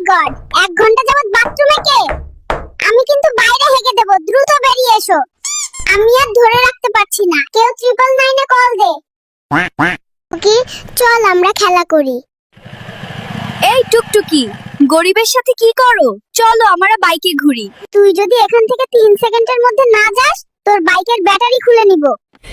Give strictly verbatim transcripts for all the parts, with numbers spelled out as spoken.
God, এক ঘন্টা যাবত বাথরুমে কে? আমি কিন্তু বাইরে হেগে দেব, দ্রুত বেরিয়ে এসো। আমি আর ধরে রাখতে পারছি না, কেউ ট্রিপল নাইনে কল দে। ওকে, চল আমরা খেলা করি। এই টুকটুকি, গরিবের সাথে কি করো? চলো আমরা বাইকে ঘুরি। তুই যদি এখান থেকে তিন সেকেন্ডের মধ্যে না যাস, তোর বাইকের ব্যাটারি খুলে নিব।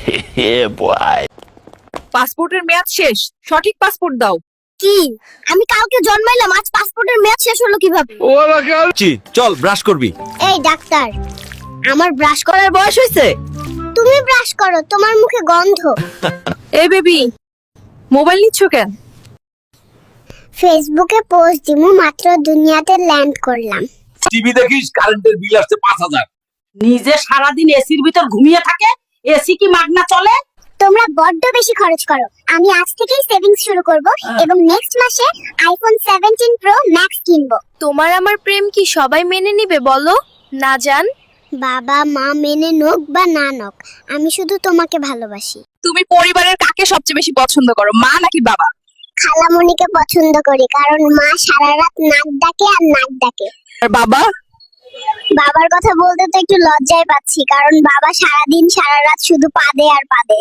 পাসপোর্টের মেয়াদ শেষ, সঠিক পাসপোর্ট দাও। কি? আমি কালকে জন্মাইলাম, আজ পাসপোর্টের মেয়াদ শেষ হলো কিভাবে? চল ব্রাশ করবি। এই ডাক্তার, আমার ব্রাশ করার বয়স হয়েছে? তুমি ব্রাশ করো, তোমার মুখে গন্ধ। এই বেবি, মোবাইল নিচ্ছ কেন? ফেসবুকে পোস্ট দিমু, মাত্র দুনিয়াতে ল্যান্ড করলাম। টিভি দেখিস, কারেন্টের বিল আসছে পাঁচ হাজার। নিজে সারাদিন এসির ভিতর ঘুমিয়ে থাকে, এসি কি মাগনা চলে? তোমরা বড্ড বেশি খরচ করো। আমি আজ থেকেই সেভিংস শুরু করব এবং নেক্সট মাসে আইফোন সেভেন্টিন প্রো ম্যাক্স কিনবো। তোমার আমার প্রেম কি সবাই মেনে নিবে বলো? না জান, বাবা মা মেনে নোক বা না নোক, আমি শুধু তোমাকে ভালোবাসি। তুমি পরিবারের কাকে সবচেয়ে বেশি পছন্দ করো, মা নাকি বাবা? খালামণিকে পছন্দ করি, কারণ মা সারা রাত নাক ডাকে আর নাক ডাকে। আর বাবা? বাবার কথা বলতে তো একটু লজ্জায় পাচ্ছি, কারণ বাবা সারাদিন সারা রাত শুধু পাদে আর পাদে।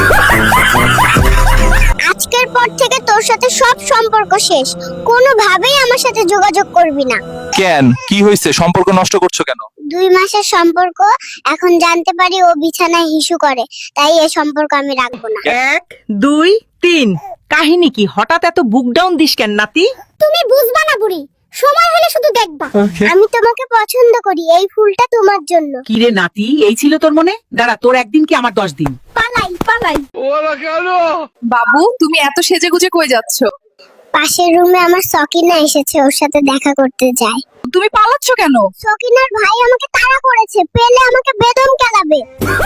আজকের পর থেকে তোর সাথে সব সম্পর্ক শেষ, কোনোভাবেই আমার সাথে যোগাযোগ করবি না। কেন, কি হয়েছে? সম্পর্ক নষ্ট করছো কেন? দুই মাসের সম্পর্ক, এখন জানতে পারি ও বিছানায় হিসু করে, তাই এই সম্পর্ক আমি রাখবো না। এক দুই তিন। কাহিনী কি? হঠাৎ এত বুক ডাউন দিস কেন নাতি? তুমি বুঝবা না বুড়ি, সময় হলে শুধু দেখবা। আমি তোমাকে পছন্দ করি, এই ফুলটা তোমার জন্য। কি রে নাতি, এই ছিল তোর মনে? দাঁড়া, তোর একদিন কি আমার দশ দিন। পালাই পালাই। বাবু, তুমি এত সেজেগুজে কই যাচ্ছ? পাশের রুমে আমার সকিনা এসেছে, ওর সাথে দেখা করতে যাই। তুমি পালাচ্ছ কেন? সকিনার ভাই আমাকে তাড়া করেছে, পেলে আমাকে বেদম কেলাবে।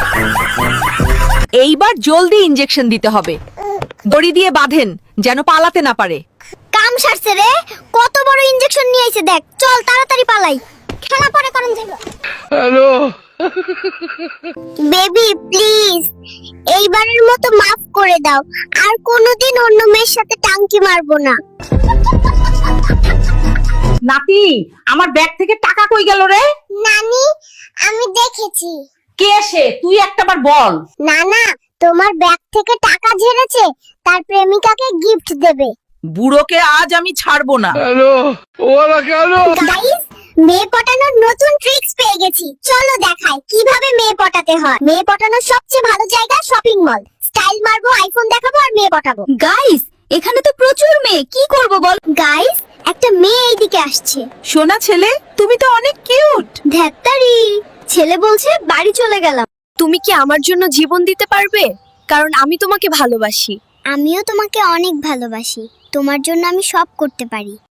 এইবার জলদি ইনজেকশন দিতে হবে। দড়ি দিয়ে বাঁধেন, যেন পালাতে না পারে। কাম সারছে রে, কত বড় ইনজেকশন নিয়ে এসে দেখ। চল তাড়াতাড়ি পালাই, খেলা পরে করুন যাইব। হ্যালো বেবি, প্লিজ এইবারের মতো মাফ করে দাও, আর কোনোদিন অন্য মেয়ের সাথে টাঙ্কি মারবো না। নাতি, আমার ব্যাগ থেকে টাকা কই গেল রে? নানি, আমি দেখেছি। কে সে? তুই একটাবার বল। না না, তোমার ব্যাগ থেকে টাকা ঝেড়েছে, তার প্রেমিকাকে গিফট দেবে। বুড়োকে আজ আমি ছাড়বো না। গাইস, মেয়ে পটানোর নতুন ট্রিক্স পেয়ে গেছি, চলো দেখাই কিভাবে মেয়ে পটাতে হয়। মেয়ে পটানোর সবচেয়ে ভালো জায়গা শপিং মল। স্টাইল মারবো, আইফোন দেখাবো আর মেয়ে পটাবো। গাইস, এখানে তো প্রচুর মেয়ে, কি করব বল? গাইস, একটা মেয়ে এইদিকে আসছে। সোনা ছেলে, তুমি তো অনেক কিউট। ধ্যাত্তারি, ছেলে বলছে বাড়ি চলে গেলাম। তুমি কি আমার জন্য জীবন দিতে পারবে? কারণ আমি তোমাকে ভালোবাসি। আমিও তোমাকে অনেক ভালোবাসি, তোমার জন্য আমি সব করতে পারি।